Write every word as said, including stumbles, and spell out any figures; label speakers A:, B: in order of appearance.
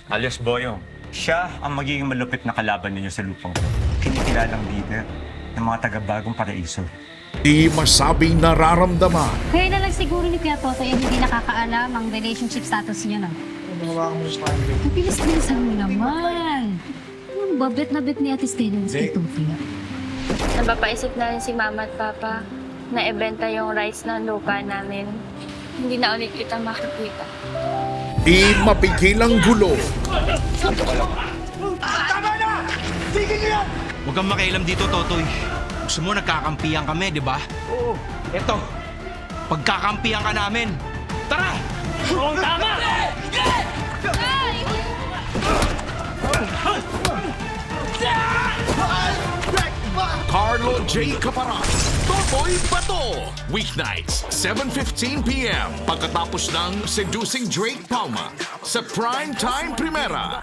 A: alias Boyong. Siya ang magiging malupit na kalaban ninyo sa lupang to. Kinikilalang leader ng mga taga-Bagong Paraiso.
B: Di masabing nararamdaman.
C: Kaya na lang siguro ni Kuya Totoy ay hindi nakakaalam ang relationship status niyo, no? Ang bilis-bilisan mo naman. Ang babet na bet ni Ate Stella kay Totoy.
D: Napapaisip na rin si Mama at Papa na ibenta yung rights ng lupa namin. Hindi na ulit kita makikita.
B: Di mapigilang gulo.
E: Huwag kang makialam dito, Totoy. Gusto mo nagkakampihan kami, di ba?
A: Oo, eto.
E: Pagkakampihan ka namin. Tara!
A: Oo, tama!
B: Carlo J. Caparat, Totoy Bato. Weeknights, seven fifteen p m Pagkatapos ng Seducing Drake Palma sa Primetime Primera.